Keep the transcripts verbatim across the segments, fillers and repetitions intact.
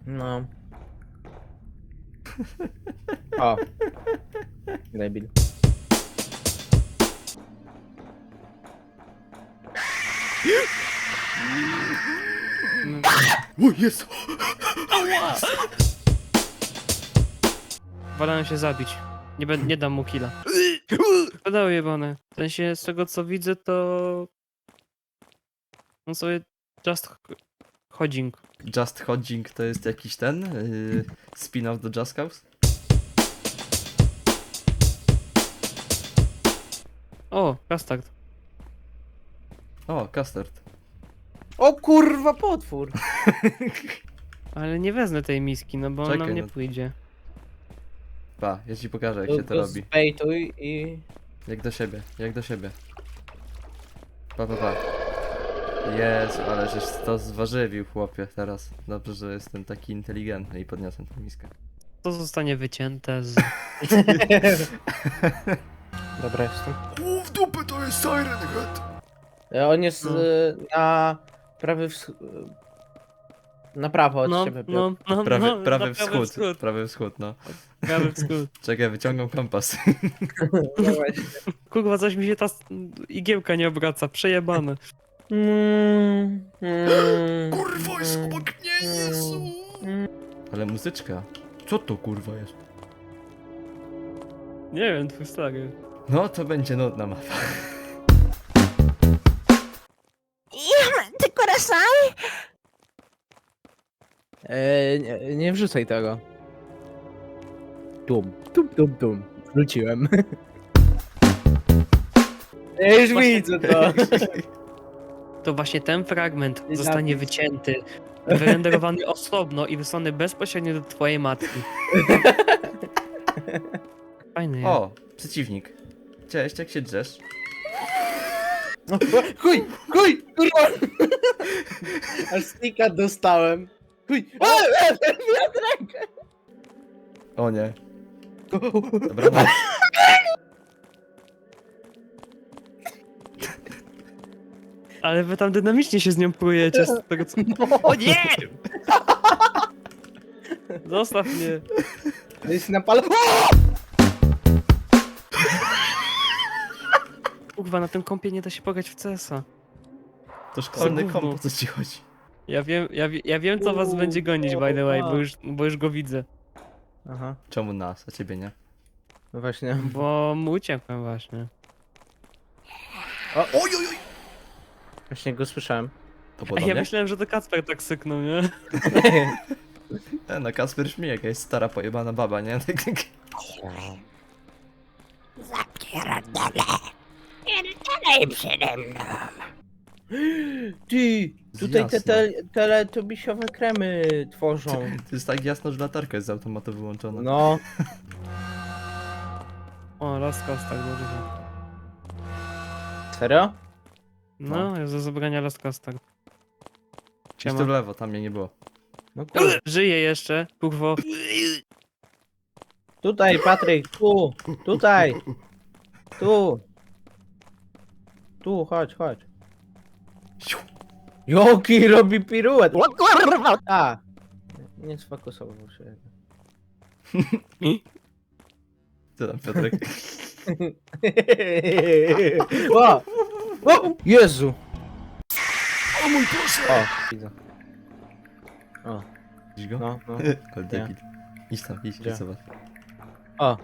No. O. Debil. O, jest! Wolałem się zabić. Nie, będę, nie dam mu killa. Pedały jebane. W sensie, z tego co widzę, to... On sobie just ch- chodzing. Just Hodging to jest jakiś ten? Yy, spin-off do Just Cause? O, Kastard. O, Custard. O kurwa, potwór! Ale nie wezmę tej miski, no bo on Czekaj, nam nie no. pójdzie. Pa, ja ci pokażę jak To- się to to robi. Zbejtuj i... Jak do siebie, jak do siebie. Pa, pa, pa. Jezu, ale żeś to zwarzywił, chłopie, teraz. Dobrze, że jestem taki inteligentny i podniosłem tę miskę. To zostanie wycięte z... Dobra, jestem. O, w dupę to jest Siren Head! E, On jest No. e, na prawy wsch... Na prawo od No, ciebie. no, no, Prawy, no, prawy na wschód, wschód. prawy wschód, no. Prawy wschód. Czekaj, wyciągam kompas. No właśnie. Kurwa, coś mi się ta s- igiełka nie obraca, przejebane. Mm, mm, Kurwa, jest mm, obok mnie, Jezu! mm. Ale muzyczka. Co to kurwa jest? Nie wiem, twój stary. No, to będzie nudna mapa. Ty corazón? E, nie, nie wrzucaj tego. Tum, tum, tum, tum. Wrzuciłem. Ja już Właśnie- widzę to. To właśnie ten fragment I zostanie zapis. wycięty, wyrenderowany osobno i wysłany bezpośrednio do twojej matki. Fajny jest. O, przeciwnik. Cześć, jak się drzesz? Chuj, chuj, kurwa. Aż stika dostałem. Chuj. A, a, wiatrek. O nie. Dobra, no. Ale wy tam dynamicznie się z nią plujecie. Z tego co... O nie! Zostaw mnie. To jest napal... Kurwa, na tym kompie nie da się pograć w C S a. To szkolny gówno. komp, o co ci chodzi? Ja wiem, ja, wie- ja wiem co was Uuu, będzie gonić, by the way, bo o. już, bo już go widzę. Aha, Czemu nas, a ciebie nie? no właśnie. Bo mu uciekłem właśnie. Oj, oj, oj! Właśnie go słyszałem. To A podobnie? ja myślałem, że to Kacper tak syknął, nie? E, no Kasper śmie, jakaś stara pojebana baba, nie? Zapierdalaj przede mną. Ty, tutaj te, Jasno. te teletubisiowe kremy tworzą. To jest tak jasno, że latarka jest z automatu wyłączona. No, O, Last Cast tak dobrze. serio? No, jest do zabrania Last Cast tak. Idź tu w lewo, tam mnie nie było. No kurde. Żyje jeszcze, kurwo. Tutaj, Patryk, tu, tutaj, tu. Tu, chodź, chodź. Siu. Joki robi piruet. O kurwa! A, nie sfokusował się. Co tam, Piotrek? O! O! Jezu! O mój Boże! O, widzę. O, Widzisz go? no, no. Ale debil. Idź tam, idź, Gdzie? idź zobacz. O,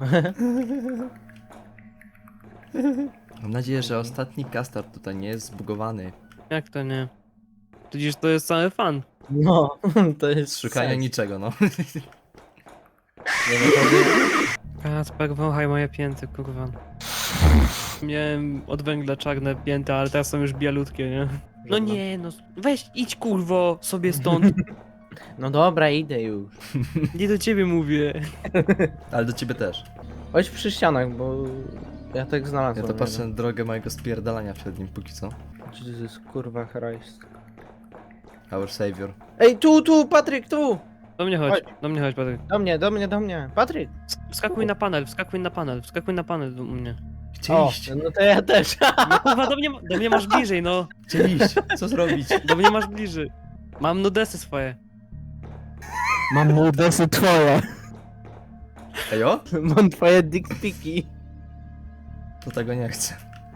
Mam nadzieję, że ostatni Custard tutaj nie jest zbugowany. Jak to nie? Przecież to jest cały fan. no, to jest Z szukania sens. niczego, no. Nie wiem, to jest- Kacper, wąchaj moje pięty, kurwa. Miałem od węgla czarne pięty, ale teraz są już bialutkie, nie? No nie, no weź, idź kurwo sobie stąd. No dobra, idę już. Nie do ciebie mówię. Ale do ciebie też. Chodź przy ścianach, bo ja tak Ja znalazłem. to patrzę na drogę mojego spierdalania przed nim póki co. Jesus, kurwa Christ. Our savior. Ej, tu, tu, Patryk, tu! Do mnie chodź, Chodź. do mnie chodź, Patryk. Do mnie, do mnie, do mnie. Patryk! Wskakuj na panel, wskakuj na panel, wskakuj na panel do mnie. Gdzie O, iść? no to ja też. No kurwa, do mnie, ma- do mnie masz bliżej, no. Gdzie iść? Co zrobić? Do mnie masz bliżej. Mam nudesy swoje. Mam mordosy twoje. Ejo? Mam twoje dickpiki. To tego nie chcę.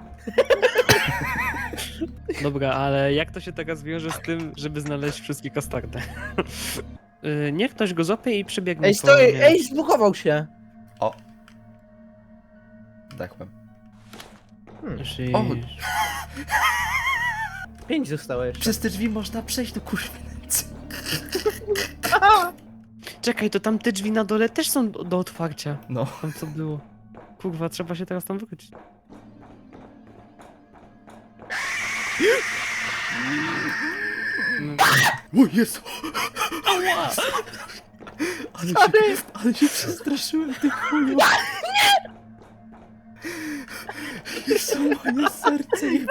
Dobra, ale jak to się teraz wiąże z tym, żeby znaleźć wszystkie kastardy? Y, Niech ktoś go złapie i przebiegnie Ej, po stoi, mnie. ej, zbugował się. O. Dechłem. Jeśli- O. Pięć zostało jeszcze. Przez te drzwi można przejść do kurwy nędzy. Czekaj, to tam te drzwi na dole też są do, do otwarcia. No. Tam co było. Kurwa, trzeba się teraz tam wrócić. Mm, O Jezu! Ale się, ale się przestraszyłem tych chuju. Jezu, moje serce je...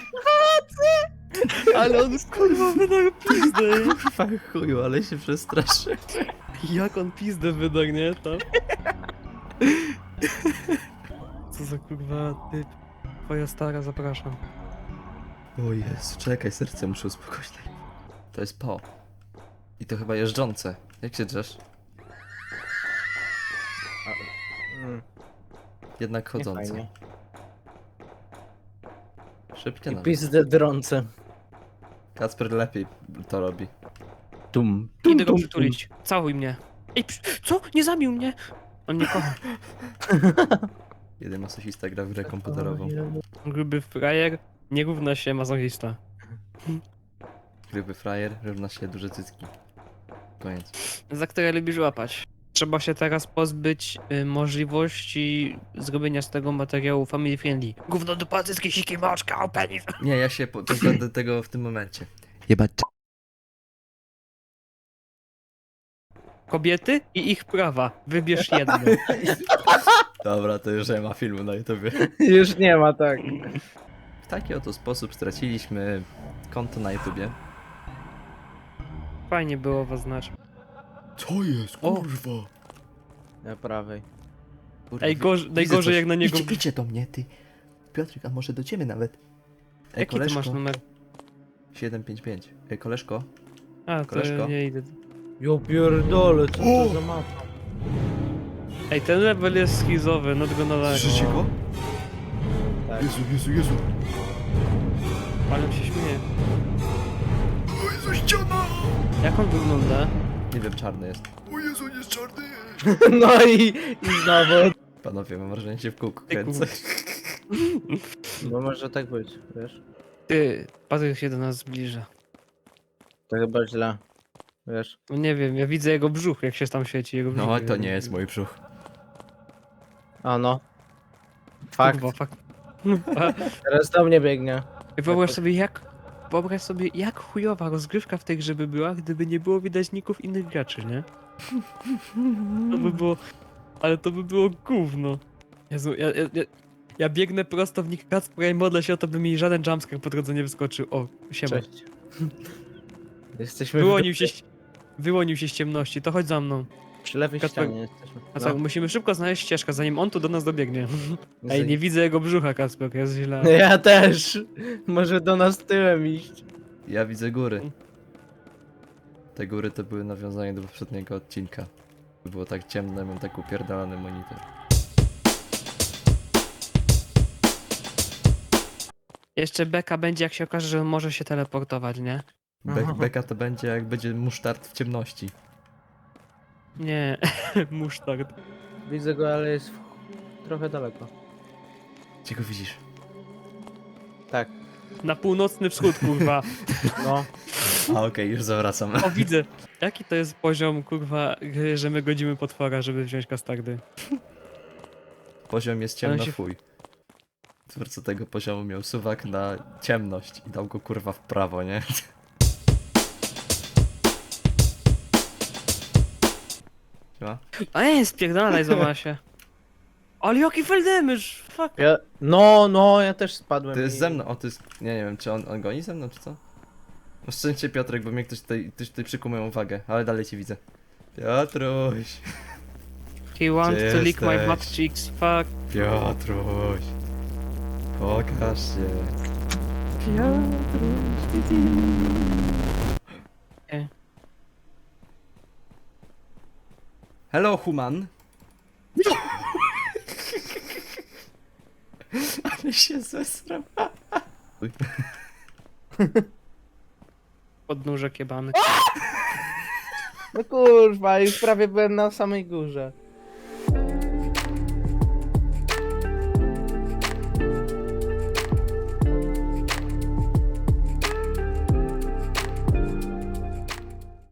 Ale on kurwa wydał pizdę. Kurwa chuju, ale się przestraszyłem. Jak on pizdę wydał, nie? Tam. Co za kurwa typ. Twoja stara, zapraszam. O Jezu, czekaj, serce muszę uspokoić. To jest po. I to chyba jeżdżące. Jak się drzesz? Mm, Jednak nie chodzące. fajnie. Szybkie I nawet. pizdę drące. Kacper lepiej to robi. Tum. Idę go przytulić. Całuj mnie. Ej, psz, co? Nie zabił mnie! On nie kocha. Jeden masochista gra w grę komputerową. Gruby frajer nie równa się masochista. Gruby frajer równa się duże cycki. Koniec. Za które lubisz łapać. Trzeba się teraz pozbyć y, możliwości zrobienia z tego materiału family friendly. Gówno do pacyckie siki moczka, o penis. Nie, ja się po- pozbędę tego w tym momencie. Jebać. Kobiety i ich prawa. Wybierz jedno. Dobra, to już nie ma filmu na YouTubie. Już nie ma, tak. W taki oto sposób straciliśmy konto na YouTubie. Fajnie było was znać. Co jest, O. kurwa? Na prawej. Kurwa, Ej, gorzej, widzę najgorzej coś. jak na niego... Idźcie, idźcie do mnie, ty. Piotrek, a może do ciebie nawet? Ej, Jaki ty koleżko. masz numer? siedem pięć pięć. Ej, koleżko. A, to Koleżko? nie idę. Jo pierdolę, co O! to za mapa? Ej, ten level jest schizowy, no tylko na daleko. Słyszycie go? Tak. Jezu, Jezu, Jezu. Ale on się śmieje. O Jezu, ściana! Jak on wygląda? Nie wiem, czarny jest. O Jezu, jest czarny! No i, i znowu. Panowie, mam wrażenie, że się w kółku Ty, kręcę. No może tak być, wiesz? Ty, Patryk się do nas zbliża. To chyba źle. Wiesz? No nie wiem, ja widzę jego brzuch, jak się tam świeci. Jego brzuch. No, to nie jest mój brzuch. A no. Fakt. Kurwa, fakt. Teraz do mnie biegnie. I wyobraź Jakoś- sobie jak... Wyobraź sobie jak chujowa rozgrywka w tej grze by była, gdyby nie było widać ników innych graczy, nie? To by było... Ale to by było gówno. Jezu, ja, ja, ja, ja biegnę prosto w nick Kacpra i modlę się o to, by mi żaden jumpscare po drodze nie wyskoczył. O, siema. Cześć. Jesteśmy Wyłonił się, ś- wyłonił się z ciemności, to chodź za mną. przy lewej Kacper- ścianie jesteśmy. A tak, musimy szybko znaleźć ścieżkę, zanim on tu do nas dobiegnie. No. Ej, nie widzę jego brzucha, Kacper, jest źle. Ja też. Może do nas tyłem iść. Ja widzę góry. Te góry to były nawiązania do poprzedniego odcinka. Było tak ciemno, mam tak upierdalany monitor. Jeszcze beka będzie, jak się okaże, że on może się teleportować, nie? Be Aha. beka to będzie jak będzie musztard w ciemności. Nie, musztard. Widzę go, ale jest w- trochę daleko. Gdzie go widzisz? Tak. Na północny wschód, kurwa. No. A okej, już zawracam. O, widzę. Jaki to jest poziom, kurwa, gry, że my godzimy potwora, żeby wziąć kastardy? Poziom jest Ale ciemno się- fuj. Twórca tego poziomu miał suwak na ciemność i dał go kurwa w prawo, nie? Siema? A nie, spierdalaj, zobacz się. Ale jaki fell damage, fuck. Ja, no, no, ja też spadłem. To jest i- ze mną, o to jest, nie, nie wiem, czy on, on goni ze mną, czy co? No szczęście Piotrek, bo mnie ktoś tutaj, ktoś tutaj przykuł moją uwagę, ale dalej cię widzę. Piotruś, He wants Gdzie to lick my jesteś? butt cheeks, fuck. Piotruś, pokaż się. Nie. Hello, human. Ale się zesram. Podnóżek jebany. No kurwa, już prawie byłem na samej górze.